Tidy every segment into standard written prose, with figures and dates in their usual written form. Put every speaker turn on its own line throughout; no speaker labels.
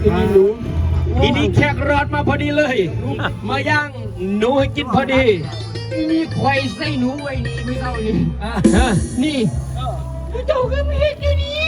อีนี่หนูอีนี่แขกรอดมาพอดีเลยมาย่างหนูให้กินพอดีอีนี่ไข่ใส่หนูไว้นี่ไม่เข้านี่นี่เจ้าก็ไม่เห็นอยู่นี่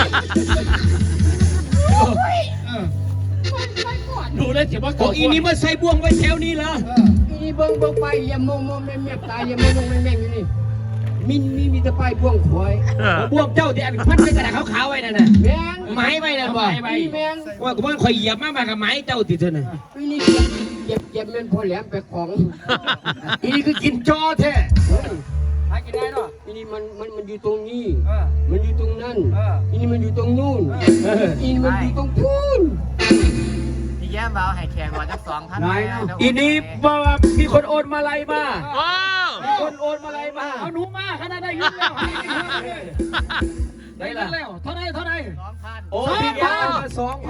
หนูแล้วเสียว่าของอีนี่มาใส่บ่วงไว้แถวนี้เหรออีนี่เบิ่งไปอย่ามองแม่ตาอย่ามองแม่อยู่นี่มีแต่ป้ายบ่วงขวยบ่วงเจ้าที่อันพันในกระดาษขาวๆไว้นั่นน่ะแม่งไม้ไว้นั่นบ่แม่งว่ากูว่าข่อยเหยียบมากับไม้เจ้าติเท่านั้นอีนี่เก็บแม่นพอแหลมไปของอีนี่คือกินจอแท้หากินได้เนาะอีนี่มันอยู่ตรงนี้มันอยู่ตรงนั้นอีนี่มันอยู่ตรงนู่นอีนี่มันอยู่ตรงพูน
แย้มเบาให้แขกว่าจะ2,000
อีนี่ว่ามีคนโอนมาลัยมามีคนโอนมาลัยมาเอาหนูมาขนาดได้ยุ่งแล้วได้แล้วเท่าไร2,000โอ้พี่แย้มมา2,000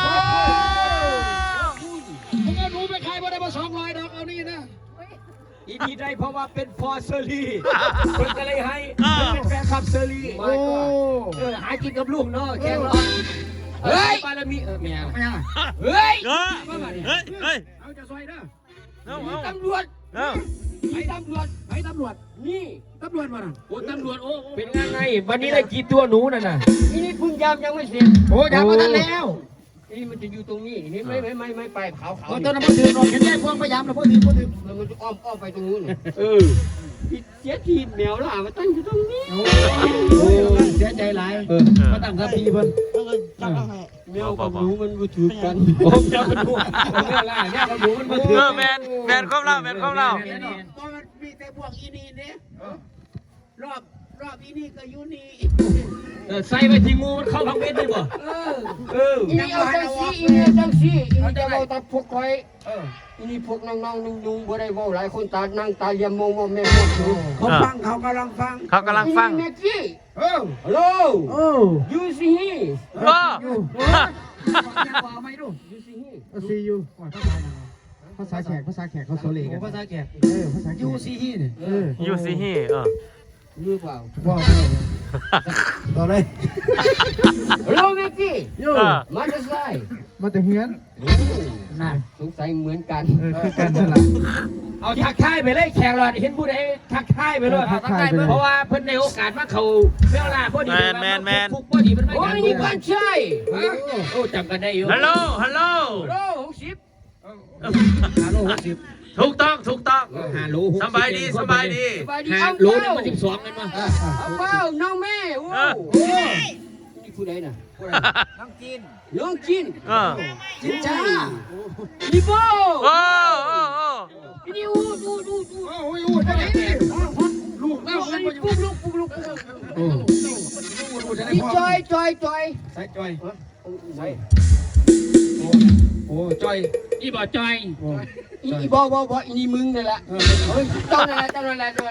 มึงเอาหนูไปขายบ่ได้มา200ดอกเอานี่นะอีนี่ได้เพราะว่าเป็นพอเซอรี่คนก็เลยให้เป็นแฟนคลับเซอรี่โอ้หากินกับลูกเนาะแค่รอเฮ้ยบารมีเมียเฮ้ยเอาจะซอยเด้อตำรวจไปตำรวจนี่ตำรวจมาโอ้ตำรวจโอ้เป็นไงวันนี้ได้กี่ตัวหนูน่ะนะนี่พึ่งยามยังไม่เสร็จโอ้ยามมาตั้งแล้วนี่มันจะอยู่ตรงนี้นี่ไม่ไปขาวตอนนั้นมันถือหนอนเห็นได้พวงพยายามแล้วพวกถือแล้วมันจะอ้อมไปตรงนู้นเสียทีแมวล่ะมาตั้งอยู่ตรงนี้โอ้เสียใจหลายมาตั้งทับพีเพิ่นแมวกับหนูมันมาถือกันผมจะมาดูแม่ล่ะเนี่ยกับหนูมันมาถือ
แมนเข้าเล่า
มันมีแต่พวกอีนี่เนี่ยรอบอีนี่ก็อยู่นี่
ใส่ไปที่งูมันเข้าพังเม็ดได้บ่
อีนี่เอาจังซี่อีนี่จะเอาแต่พวกคอยอีนี่พวกน้องๆนุ่งๆบ่ได้เว้าหลายคนตานั่งตาเยี่ยมมองแม่เขาฟังเขากำลังฟังแม่กี้ฮัลโหลยูซีฮี
ซียูภาษาแขกเขาโซเลกัน
ภาษาแขก
ภาษายูซีฮีเนี่ย
ยูซีฮี
รู้เปล่า
ต่อเลย
ฮัลโหลแม่กี้มาจะใส่
มาแต่เฮือน
น่ะสงสัยเหมือนกัน
คือกันนั่นแหละ
เอาทักทายไปเลยแขกหลอดเห็นผู้ใดทักทายไปเลยเพราะว่าเพิ่นในโอกาสมาเขาเวลาพอดีฟุกพอดีมันไม่กัน
โอ้ยนี่กันใช่
โอ้จำกันได้อยู่
ฮัลโหล
60ถูกต้อง5 โล
สบายดี
5 โลนี่มัน12กันมา
เป้าน้องแม่โอ้นี่ผู้ใดน่ะน้องจินจินจ้านี่โบนี่อูได้ดิลูกแล้วลูกนี่จอย
ใส่จอยโอ้จอยอีบ่จอย
อีบ่อีนี่มึงนั่นแหละเฮ้ยเจ้านั่นแหละจ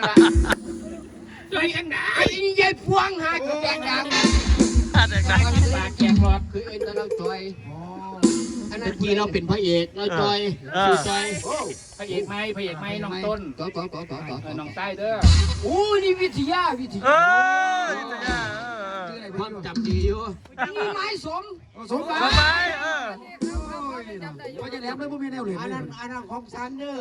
อยอันไหนอีนี่ยายพวงหาแจกดังปากแจกหลอดคือเอ็นตะลังจอยอันนั้นกีเราเป็นพระเอกเราจอย
พระเอกไหมน้องต้น
น้องใต้เด้อโอ้นี่วิทยา
ความจำดีอยู่
นี่ไม้สม
ว่าจะแหลมเลยพวกมีแนวเหลือ
อันนั้นของฉันเด้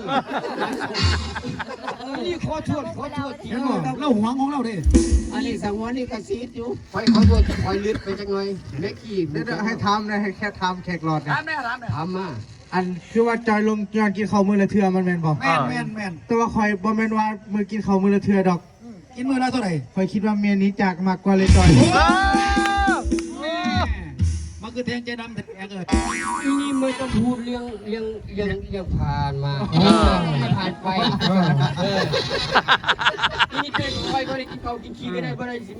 อนี่ขอโทษ
ทีเราหวงของเราดิ
อันนี้สังวนนี่กระซีดอยู่ขอโทษคอยลึกไปจังหน่อยแม่ขี้
ให้ทำนะให้แค่ทำแขกหลอดนะ
ทำมา
อันคือว่าจอยลงจอนกินข้าวมือละเทือมันแมนบอก
แมน
แต่ว่าคอยบอแมนว่ามือกินข้าวมือละเทือดอก
กินมือละเท่าไหร่
คอยคิดว่าเมียนี้จากมากกว่าเลยจอย
มันคือแทงใจดำแทงเลยนี่ไม่ต้องพูดเรื่องผ่านมาผ่านไปนี่เป็นไปก็ได้กินข้าวกินขี้ไม่ได้ไม่ได้สิ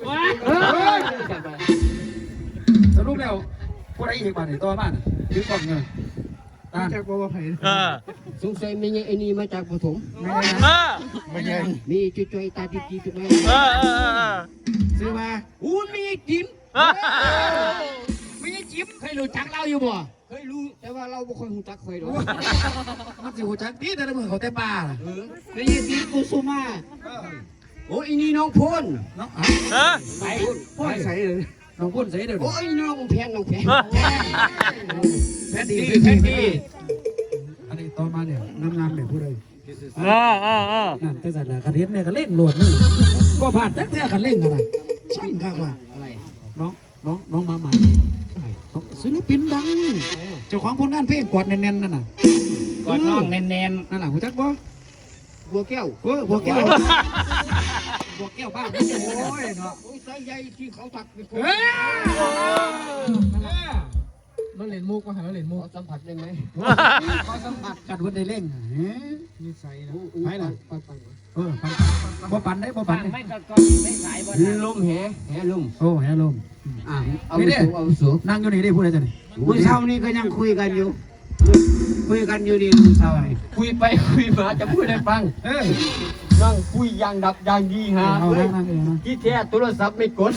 สรุปแล้วพวกไอ้อีกบ้านไหนตัวบ้านถือกล่องเงิน
จากบัวไผ่
สงสัยไม่ใช่ไอ้นี่มาจากปฐม
ไม่ใช่
มีจุยตาดีๆถูกไหม
ซื้อมา
มีจิ้มไม่ใช่จิ้มเคยรู้จักเราอยู่บ่เคยรู้แต่ว่าเราไม่ค่อยรู้จักเคยหรอก
มันสิรู้จักดีแต่ละมือเขาแต่ป่า
ไม่ใช่จิ้มกุสุมาโอ้ยนี่น้องพล
น้องไปพ่นใส่เลยน้องพ่นใส่เดี๋ยว
โอ้ยน้องแพน
ส
แพทตี้
อันนี้ต่อมาเนี่ยงามๆเนี่ยผู้ใด
เออ
นั่นแต่สัตว์ละกระเทียมเนี่ยก็เล่งโหลดนี่ก็ผ่านแท้ๆกันเล่งอะไรช่างข้างว่า
อะไร
น้องมาใหม่ศิลปินดังเจ้าของผลงานเพลงกอดแน่นๆนั่นน่ะ
กอดน้องแน่น
นั่นแหละหัวจักบ่
บัวแก้ว
บัวแก้วบัวแก้วบ้านโอ้ยเนาะ
โอ้ยสายใยที่เขาตักไปคน
เราเล่นมุกมาหาเราเล่นมุก
ขอสัมผัสได้ไหม
ขอสัมผัสกันวันได้เล่งนิสัยนะไปล่ะ
ปัน
บ่ปันได้บ่ปันได้
ไม่ก็ไม่สายบ่
ลมแหลม
โอ้แฮลม
เอาไปสูงเอาไปสูง
นั่งอยู่นี่ได้พูดอะไรจ้ะนี่
มื้อเช้านี้ก็ยังคุยกันอยู่ดีมื้อเช้านี่คุยไปคุยมาจะพูดให้ฟังนั่งคุยอย่างดับอย่างดีฮะ
เอานั่งเองนะ
ที่แท้โทรศัพท์ไม่กด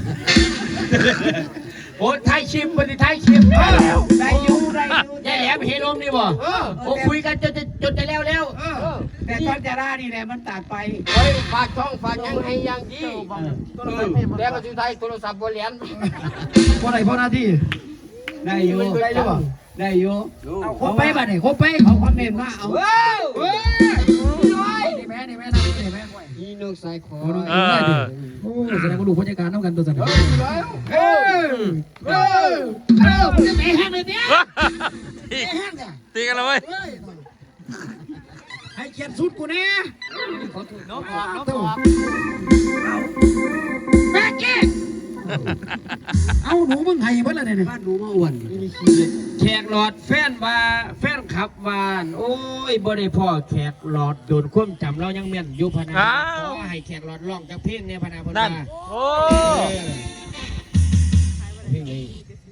โอ้ไทยชิมวันนี้ไทยชิมแล้ว
ได้อยู่
ยายแหลมเฮลมนี่บ่โอ้คุยกันจนจะแล้ว
แต่ตอนจะร่านี่แหละมันตัดไปฝากช่องฝากยังให้ยังดีแล้วก็สุดท้ายโทรศัพท์บ่เหรียญ
พอไหนพอหน้าที่
ได้อยู่ได้อยู่
เอาครบไปบ้านนี่ครบไป
เขาคอมเมนต์มาเอา
นี่แม่นี่แม่นั่งนี่แม่
อีนกสายคอ
โอ้แสดงว่าดูพยากาศน้ำกันตัวสัน
ตีกันแล้วเว้ย
ให้เขียนสุดกูแน่
น้องบอก
แม่เก้เอาหนูมึงไห้เพิ่นละเนี่ย
บ้านหนูมาอ้วน
แขกหลอดแฟนว่าแฟนขับวานโอ้ยบ่ได้พ่อแขกหลอดโดนความจำเรายังแม่นอยู่พนาขอให้แขกหลอดร้องจากเพลงเนี่ยพนาพนา
นั่นโอ้
เพลงนี้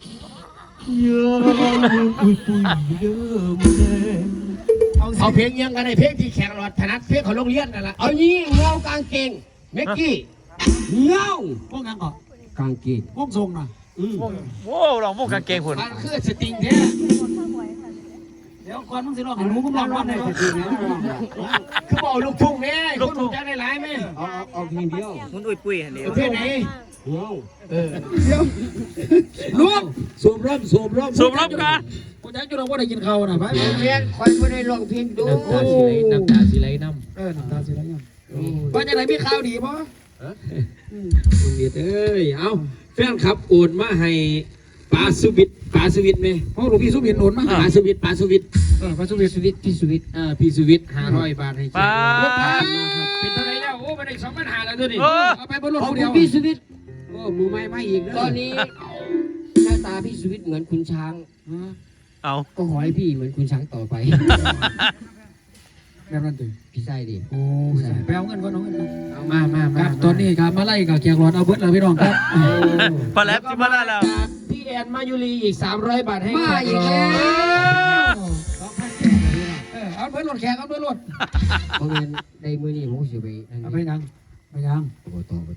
เอาเพลงยังกันในเพลงที่แขกหลอดถนัดเพลงของโรงเรียนนั่นแหละ
เอางี้เงากางเกงเมกกี้เงา
พวกยังก่อน
กางเกง
พวกทรงน่ะ
โหลองพวกกางเกงหุ่น
มันคือสติงแท้
เดี๋ยวก่อนมึงสิร้องให้หนูมึงร้องร้องได้สิ
คือบอกลูกทุ่งแน่ลูกทุ่งจะได้หลายไหม
เอาเพลงเดียว
มุนอุ้ยปุ้ยอันนี้
เพลงไหน
เงา
เดี๋ยวรวม
สูบร่ม
สูบรบกัน
กูจะจุดเราว่าได้กินข้าวนะไป
เรียนคอยไม่ได้ร้องเพลงดู
น้ำตาสีไหลน้
น้ำตาสิแล้วยังว่าจะไหนมีข่าวดีป่ะ
ำมึงเดียดเอ้ยเอาแฟนขับโอนมาให้ปาสุวิทไหม
เพราะหลวงพี่สุบินโอนมา
ปาสุวิท
พระสุบิน
พี่สุวิทพี่สุวิท500 บาทให้
ป้า
เป็นเท่าไรแล้วโอ้มาได้2,500แล้วตัวนี้
เอาไปบนรถ
ขอบ
คน
คุ
เดี
ณ
ยว
พี่สุวิทย์
โอ้มือไม้ไม่อีก
ตอนนี้หน้าตาพี่สุวิทย์เหมือนคุณช้าง
เอา
ก็ขอให้พี่เหมือนคุณช้างต่อไป
แบบนั้นถึง
พี่ไส้ดิ
โอ้ไปเอาเงินก่อนเอาเงิน
มา
ครับตอนนี้ครับมาไล่กับเกียร์รอดเอาเบิร์ดเลยพี่น้องครับ
พอแล้วจิมาแล้ว
พี่แอนมายุรีอีก300 บาทให้
มาอีกแล้ว
เอาเบิร์ดรถแขกเอาเบิร์ดรถ
เพราะงั้นในมือนี้ผมจะไป
เอาไปยังไปยัง
โอ้ต่อ
โอ้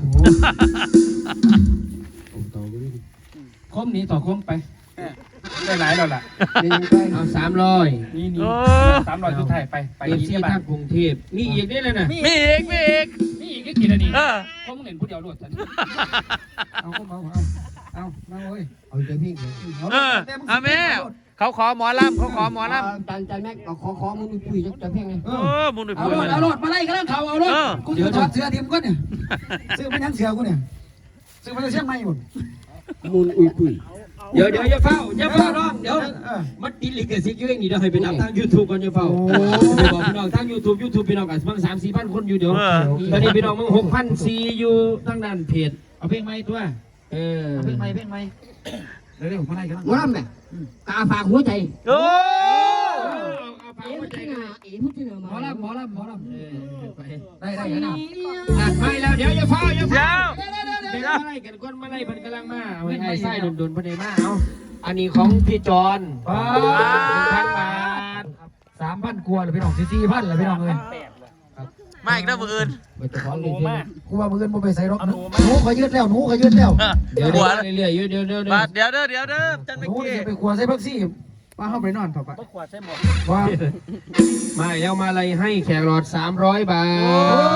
คมนี้ต่อคมไป
ได้หลายแล้วล่ะ
เอา300
นี่
โอ้
300ทุกไทยไป
เอฟซี
บ้า
ทางกรุงเทพนี่อีกนี่เลยนะ
มีอีก
นี่อีกกี่นาที
เออ
เขามึงเห็นผู้เดียวรวดทัน
เอาเอามาเว้ย
เอาใจพี่เลย
เอาแม่เขาขอหมอลำ
จันแม็กขอมึงคุยจะเพ่งไง
โอ้มุนอุ้ย
เอา
ปุ้ย
รถเอารถมาไล่กันแล้วเขาเอารถกูจะถอดเสื้อทีมก็เนี่ยซื้อมายังเสือกูเนี่ยซื้อมาจะเชียงใหม่หมด
มูลอุยปุย
เดี๋ยวอย่าเฝ้าน้องเดี๋ยวมันติดลิขสิทธิ์อยู่อย่างนี้เดี๋ยวให้ไปนับทาง YouTube ก่อนอย่าเฝ้าไปบอกพี่น้องทาง YouTube พี่น้องกันบาง3-4 พันคนอยู่เดี๋ยวตอนนี้พี่น้องมึง6,400อยู่ทางด้านเพจเอาเพลงใหม่ตัว
เพลงใหม่เร็วมาไล่กัน
ว่าแม่กาฝากหัวใจ
โอ้
เอาฝากหัวใจกัน
หมอลำได้นะ
นัดไม่แล้วเดี๋ยวอย่าเฝ้า
เดี๋ยว
เป็นอะไรกันก้นมาไล่เพิ่นกำลังมาเอาให้ไส้โดนๆเพิ่นได้มาเอาอันนี้ของพี่จอน1,000 บาท
3,000กว่าเลยพี่น้อง4,000เลยพี่น้องเลย
มาอีกนะมืออื่น
มันจะขอ
หนูมาก
กูว่ามือเงินบ่ไปใส่รถหนูขอยืดแล้วหนูขอยืดแล้ว
เดี๋ยวเรื่อยๆเดี๋ยว
เดี๋ยวจัน
ห
ไม่
นู
เกี่
จะไปขวใส่พักซี่ป้าเข้าไปนอนต่อไป
ก็ขวดใส่หมด
ว่า
มาแล้วมาอะไรให้แขกหลอด300 บาท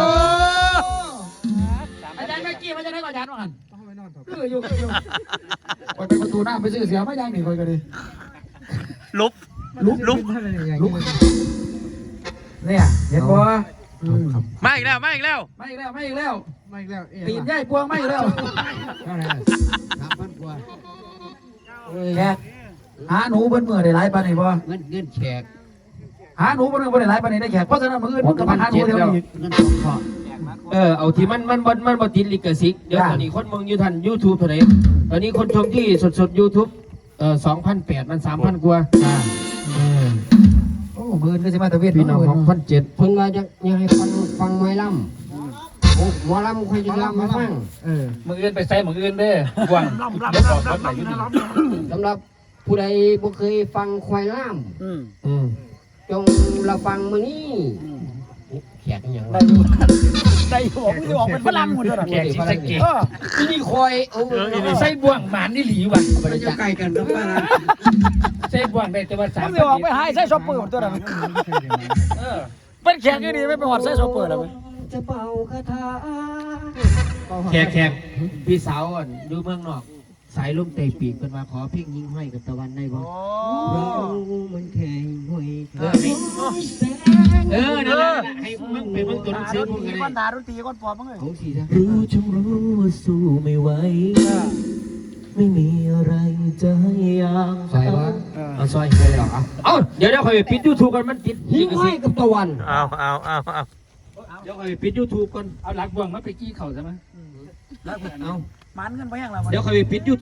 อาจารย์เมื่อกี้มันจะได้ก่อนอาจารย์ว่ากันเข้าไปนอนต่อไปอยู่คอยไปประตูหน้าไปซื้อเสียไม่ยังนี่คอยกันดิ
ลุบ
ลุก
เนี่ยเห็นบ่
มาอีกแล้วมาอีกแล้ว
ไม่อีกแล้วไม่อีกแล้ว
ไม่แล้ว
ตีนใหญ่พวงไม่อีกแล้ว
3,000 กว่า
แขกหาหนูเบิ้นมือได้หลายปานนี้บ่
เงินแขก
หาหนูเบิ้นมือบ่ได้หลายปานนี้ได้แขกเพราะฉะนั้นมื้ออื่นมึงก็มาหาหนูเดี๋ยวนี้
เงิน2ข้อ
เอาที่มันบ่ติดลิขสิทธิ์เดี๋ยวตอนนี้คนมึงอยู่ทัน YouTube เท่าไหร่ตอนนี้คนชมที่สดๆ YouTube 2,800 มัน 3,000 กว่าโอ้มื้อก็สิมาตะเวนพี่น้อง2,700
เพิ่นว่าอยากให้ฟังหมอลำโอ้หมอลำค่อยจะลำมาฟัง
มืออื่นไปใส่มืออื่นเด้อกวางเดี๋ยวบอกรถไหนอยู่นี่
สำหรับผู้ใดบ่เคยฟังควายล่ำจงรับฟังมื้อนี้แขกอย่างไร
ได้ผมจะออกเป็นฝรั่งหมดเลย
แขกสิสะเกต
ที่นี่คอยโอ้
ใส่บ่วงหมานนี่หลีว่ะ
ไม่จะไกลกันนะป้านะ
ใส่บ่วงได้แต่ว่า3
จะออกไปหายใส่ช็อปเปอร์ตัวนั้น เป็นแขกที่ดีไม่ไปหอดใส่ช็อปเปอร์แล้วมั้ย
จะเป่าคาถา
แขกพี่สาวอยู่เมืองนอกสายลมเตะปีกเป็นมาขอเพลงยิงห้อยกับตะวันได้บ่
เรามันแข่งหวย
นั่นแหละให้มึงไปมึงตัวหนังสือมึงกัน
ก้อนดาดนตรีก้อนปอบมั้งเลย
ของสีนะ
รู้จงรู้ว่าสู้ไม่ไหวไม่มีอะไรจะให้ยาม
ใส่ว่า
เอาซอยไปหรอเอาเดี๋ยวคอยปิด YouTube กันมันติด
หิ้งห้อยกับตะวัน
เอา
เดี๋ยวคอยปิด YouTube ก่อน
เอาหลักบ่วงมาไปกี้เขาใช่ไหม
เอา
มันกันไปยังล่ะ
เดี๋ยวคอยปิด YouTube